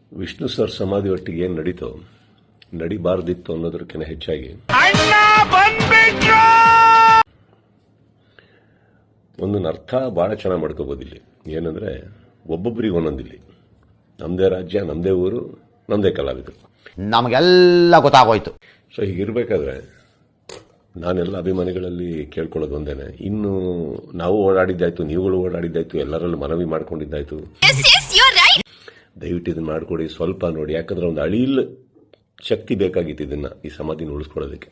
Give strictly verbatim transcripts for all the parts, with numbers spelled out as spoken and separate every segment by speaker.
Speaker 1: Vishnu sir ಸಮಾಧಿ ಒಟ್ಟಿಗೆ ಏನು ನಡೀತೋ ನಡಿಬಾರ್ದಿತ್ತು ಅನ್ನೋದಕ್ಕಿಂತ ಹೆಚ್ಚಾಗಿ ಒಂದೊಂದು ಅರ್ಥ ಬಹಳ ಚೆನ್ನಾಗಿ ಮಾಡ್ಕೋಬಹುದು. ಇಲ್ಲಿ ಏನಂದ್ರೆ ಒಬ್ಬೊಬ್ಬರಿಗೆ ಒಂದೊಂದಿಲ್ಲಿ ನಮ್ದೇ ರಾಜ್ಯ, ನಮ್ದೇ ಊರು, ನಮ್ದೇ ಕಲಾವಿದರು,
Speaker 2: ನಮಗೆಲ್ಲ ಗೊತ್ತಾಗೋಯ್ತು.
Speaker 1: ಸೊ ಹೀಗಿರ್ಬೇಕಾದ್ರೆ ನಾನೆಲ್ಲ ಅಭಿಮಾನಿಗಳಲ್ಲಿ ಕೇಳ್ಕೊಳ್ಳೋದು ಒಂದೇನೆ, ಇನ್ನು ನಾವು ಓಡಾಡಿದ್ದಾಯ್ತು, ನೀವುಗಳು ಓಡಾಡಿದ್ದಾಯ್ತು, ಎಲ್ಲರಲ್ಲೂ ಮನವಿ ಮಾಡ್ಕೊಂಡಿದ್ದಾಯ್ತು, ದಯವಿಟ್ಟು ಇದನ್ನ ಮಾಡ್ಕೊಡಿ, ಸ್ವಲ್ಪ ನೋಡಿ. ಯಾಕಂದ್ರೆ ಒಂದು ಅಳಿಲ್ ಶಕ್ತಿ ಬೇಕಾಗಿತ್ತು ಇದನ್ನ ಈ ಸಮಾಧಿನ ಉಳಿಸ್ಕೊಳ್ಳೋದಕ್ಕೆ.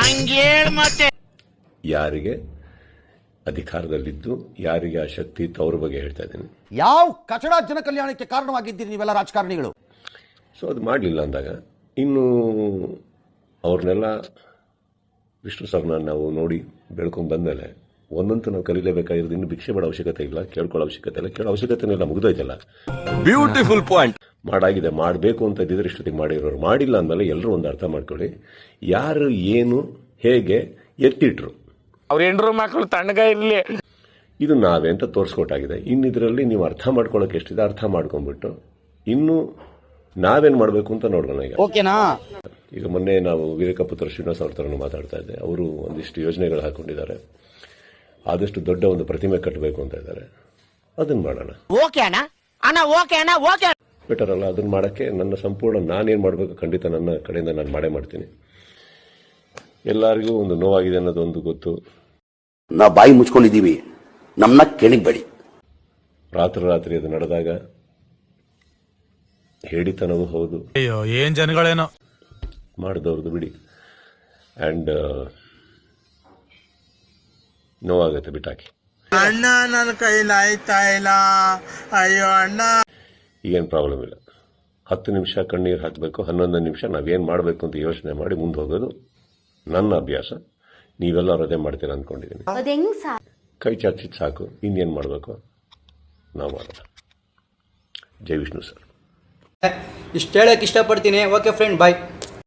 Speaker 1: ಯಾರಿಗೆ ಅಧಿಕಾರದಲ್ಲಿದ್ದು ಯಾರಿಗೆ ಆ ಶಕ್ತಿ ಇತ್ತು ಅವ್ರ ಬಗ್ಗೆ ಹೇಳ್ತಾ ಇದ್ದೀನಿ.
Speaker 2: ಯಾವ ಕಚಡ ಜನ ಕಲ್ಯಾಣಕ್ಕೆ ಕಾರಣವಾಗಿದ್ದೀರಿ ನೀವೆಲ್ಲ ರಾಜಕಾರಣಿಗಳು.
Speaker 1: ಸೊ ಅದು ಮಾಡಲಿಲ್ಲ ಅಂದಾಗ ಇನ್ನು ಅವ್ರನ್ನೆಲ್ಲ ವಿಷ್ಣು ಸರ್ನ ನಾವು ನೋಡಿ ಬೆಳ್ಕೊಂಡ್ ಬಂದ್ಮೇಲೆ ಒಂದಂತೂ ನಾವು ಕಲೀಲೇಬೇಕಾಗಿರೋದು. ಇನ್ನು ಭಿಕ್ಷೆ ಮಾಡೋ ಅವಶ್ಯಕತೆ ಇಲ್ಲ, ಕೇಳ್ಕೊಳ್ಳೋ ಅವಶ್ಯಕತೆ ಇಲ್ಲ, ಕೇಳೋ ಅವಶ್ಯಕತೆ ಇಲ್ಲ, ಮುಗ್ದೋಯ್ತಲ್ಲ.
Speaker 3: Beautiful point.
Speaker 1: ಮಾಡಾಗಿದೆ, ಮಾಡಬೇಕು ಅಂತ ಇದ್ದಿದ್ರೆ ಇಷ್ಟೊತ್ತಿಗೆ ಮಾಡಿರೋರು. ಮಾಡಿಲ್ಲ ಅಂದಮೇಲೆ ಎಲ್ಲರೂ ಒಂದು ಅರ್ಥ ಮಾಡ್ಕೊಳ್ಳಿ, ಯಾರು ಏನು ಹೇಗೆ ಎತ್ತಿಟ್ರು
Speaker 3: ಅವ್ರ ಹೆಂಡ್ರು ಮಕ್ಕಳು ತಣ್ಣಗ ಇರ್ಲಿ,
Speaker 1: ಇದು ನಾವೇ ಅಂತ ತೋರಿಸ್ಕೊಟ್ಟಾಗಿದೆ. ಇನ್ನು ಇದರಲ್ಲಿ ನೀವು ಅರ್ಥ ಮಾಡ್ಕೊಳ್ಳೋಕೆ ಎಷ್ಟಿದೆ ಅರ್ಥ ಮಾಡ್ಕೊಂಡ್ಬಿಟ್ಟು ಇನ್ನು ನಾವೇನ್ ಮಾಡಬೇಕು ಅಂತ ನೋಡೋಣ. ಈಗ
Speaker 2: ಓಕೆನಾ?
Speaker 1: ಈಗ ಮೊನ್ನೆ ನಾವು ವಿವೇಕಪುತ್ರ ಶ್ರೀನಿವಾಸ್ ಅವ್ರ ತರ ಮಾತಾಡ್ತಾ ಇದ್ದೆ. ಅವರು ಒಂದಿಷ್ಟು ಯೋಜನೆಗಳು ಹಾಕೊಂಡಿದ್ದಾರೆ, ಆದಷ್ಟು ದೊಡ್ಡ ಒಂದು ಪ್ರತಿಮೆ ಕಟ್ಟಬೇಕು ಅಂತ ಇದ್ದಾರೆ. ಅದನ್ನ ಮಾಡೋಣ. ಬೆಟರ್ ಅಲ್ಲ? ಅದನ್ನ ಮಾಡಕ್ಕೆ ನನ್ನ ಸಂಪೂರ್ಣ ನಾನೇನ್ ಮಾಡಬೇಕು ಖಂಡಿತ ನನ್ನ ಕಡೆಯಿಂದ ನಾನು ಮಾಡೇ ಮಾಡ್ತೀನಿ. ಎಲ್ಲರಿಗೂ ಒಂದು ನೋವಾಗಿದೆ ಅನ್ನೋದು ಒಂದು ಗೊತ್ತು.
Speaker 4: ನಾವು ಬಾಯಿ ಮುಚ್ಕೊಂಡಿದ್ದೀವಿ, ನಮ್ಮನ್ನ ಕೆಣಿಬೇಡಿ.
Speaker 1: ರಾತ್ರಿ ರಾತ್ರಿ ಅದು ನಡೆದಾಗ ಹೇಳಿತನವೂ ಹೌದು,
Speaker 5: ಅಯ್ಯೋ ಏನ್ ಜನಗಳೇನೋ
Speaker 1: ಮಾಡಿದವ್ರದ್ದು ಬಿಡಿ, ಅಂಡ್ ನೋವಾಗತ್ತೆ ಬಿಟ್ಟಾಕಿ.
Speaker 6: ಅಣ್ಣ ನನ್ನ ಕೈಲಿ ಆಯ್ತಾ ಇಲ್ಲ, ಅಯ್ಯೋ ಅಣ್ಣ.
Speaker 1: ಈಗೇನು ಪ್ರಾಬ್ಲಮ್ ಇಲ್ಲ. ಹತ್ತು ನಿಮಿಷ ಕಣ್ಣೀರು ಹಾಕಬೇಕು, ಹನ್ನೊಂದು ನಿಮಿಷ ನಾವೇನು ಮಾಡಬೇಕು ಅಂತ ಯೋಚನೆ ಮಾಡಿ ಮುಂದೆ ಹೋಗೋದು ನನ್ನ ಅಭ್ಯಾಸ. ನೀವೆಲ್ಲರೂ ಅದೇ ಮಾಡ್ತೀರಾ ಅಂದ್ಕೊಂಡಿದ್ದೀನಿ. ಕೈ ಚಾಚಿದ್ ಸಾಕು, ಇನ್ನೇನು ಮಾಡಬೇಕು ನಾವು ಮಾಡೋಣ. ಜೈ ವಿಷ್ಣು ಸರ್.
Speaker 7: ಇಷ್ಟು ಹೇಳಕ್ಕೆ ಇಷ್ಟಪಡ್ತೀನಿ. ಓಕೆ ಫ್ರೆಂಡ್, ಬಾಯ್.